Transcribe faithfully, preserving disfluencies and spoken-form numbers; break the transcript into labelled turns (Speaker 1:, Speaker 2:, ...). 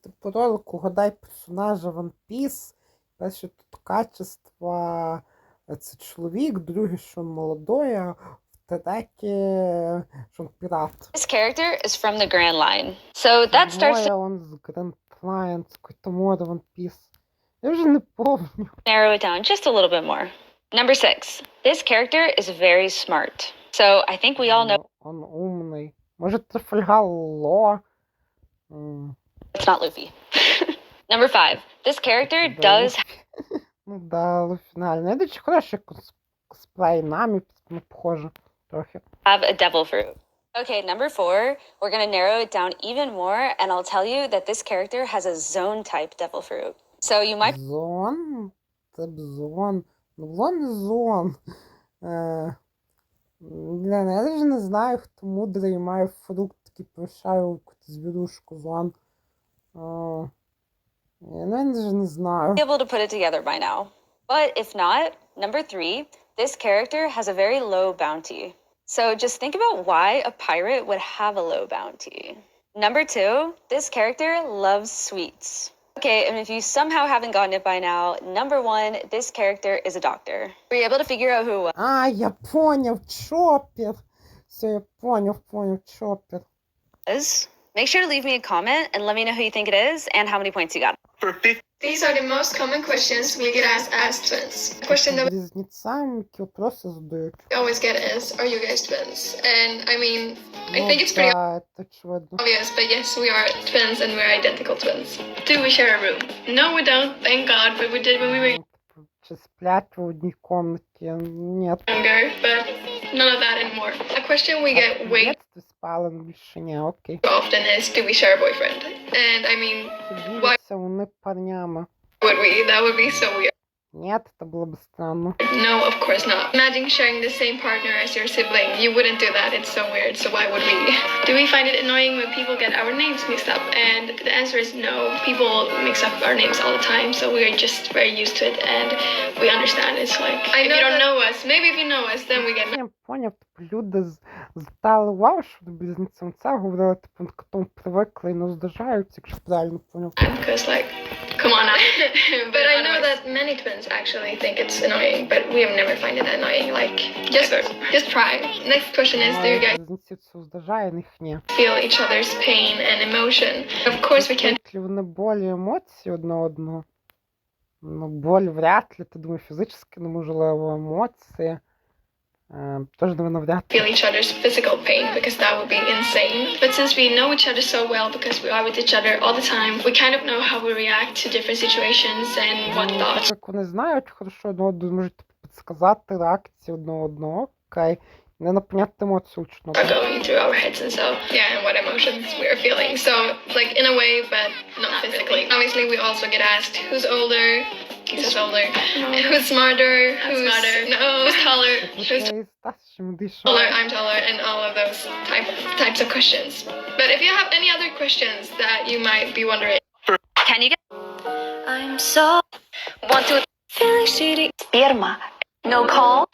Speaker 1: типу ролик «Угадай персонажа One Piece». Перше тут качество – це чоловік, друге, що він молодой, а в третє, що він пірат.
Speaker 2: This character is from the Grand Line. So that starts to
Speaker 1: Моя он з Grand Line, з какой-то море One Piece. Я вже не помню.
Speaker 2: narrow it down just a little bit more. Number six. This character is very smart. So I think we all know
Speaker 1: Он умний. Може, Трафальгар Ло? М,
Speaker 2: it's not Luffy. Number five. This character
Speaker 1: да,
Speaker 2: does
Speaker 1: Луфі. Ну да, Луфі фінальний. Я дуже хороший кос- косплей Намі, ну, похоже, трохи.
Speaker 2: have a devil fruit. Okay, number four, we're going to narrow it down even more, and I'll tell you that this character has a zone type devil fruit. So you might
Speaker 1: Зон? Це Бзон. Ну, Бзон не Зон. Е, Блін, я навіть не знаю, хто мудрий має фрукт, такий повишає якусь звірушку Зон. Е, Я навіть не знаю.
Speaker 2: be able to put it together by now. But if not, number three, this character has a very low bounty. So just think about why a pirate would have a low bounty. Number two, this character loves sweets. Okay, and if you somehow haven't gotten it by now, number one, this character is a doctor. Were you able to figure out who it was?
Speaker 1: А, я поняв, Чоппер. Все, я поняв, поняв, Чоппер.
Speaker 2: Make sure to leave me a comment and let me know who you think it is and how many points you got.
Speaker 3: These are the most common questions we get asked as twins. The question that
Speaker 1: Близнецам які вопроси задають.
Speaker 3: we always get is, are you guys twins? And I mean, I
Speaker 1: Ну
Speaker 3: think it's pretty
Speaker 1: да, це очевидно.
Speaker 3: obvious, but yes, we are twins and we're identical twins. Do we share a room? No, we don't, thank God, but we did when we were
Speaker 1: Ну, типу, Чи сплять в одній комнаті? Нет.
Speaker 3: younger, but none of that anymore. A question we
Speaker 1: А
Speaker 3: get
Speaker 1: в
Speaker 3: way
Speaker 1: дитинстві спали, ну, більше ні, окей.
Speaker 3: too often is, do we share a boyfriend? And I mean,
Speaker 1: Чи діляться вони парнями?
Speaker 3: would we? That would be so weird.
Speaker 1: Нет, це було б странно.
Speaker 3: No, of course not. Imagine sharing the same partner as your sibling. You wouldn't do that. It's so weird. So why would we? Do we find it annoying when people get our names mixed up? And the answer is no. People mix up our names all the time, so we are just very used to it and we understand. It's like if you don't know us, maybe if you know us, then we get
Speaker 1: Я поняв, типу, люди з- звертали увагу, що до близнецям це говорили, типу, к тому привикли і не здажаються, якщо правильно поняв.
Speaker 3: because like, come on now. But I know that many twins actually think it's annoying, but we have never find it annoying. Like, just just try. Next question is, do you guys
Speaker 1: Близнеців це здажає, них ні.
Speaker 3: feel each other's pain and emotion? Of course we can't.
Speaker 1: Чувствують ли вони болі емоції одне одного? Ну, боль вряд ли, ти думаю, фізично, ну, можливо, емоції. Е, Тож, напевно, вряд ли.
Speaker 3: Feel each other's physical pain because that would be insane. But since we know each other so well because we are with each other all the time, we kind of know how we react to different situations and what
Speaker 1: Ну,
Speaker 3: thoughts
Speaker 1: так як вони знають хорошо одне одного, можуть типу, підсказати реакції одне одного, окей. Не напоняти емоцію учно.
Speaker 3: are going through our heads and so yeah, and what emotions we are feeling. So like in a way, but not physically. Obviously, we also get asked who's older. Who's older? Who's smarter? Who's smarter? No, who's taller? Who's
Speaker 1: Це і старшим більше.
Speaker 3: taller? I'm taller, and all of those type types of questions. But if you have any other questions that you might be wondering.
Speaker 2: Can you get I'm so want to feeling shitty sperma. No call?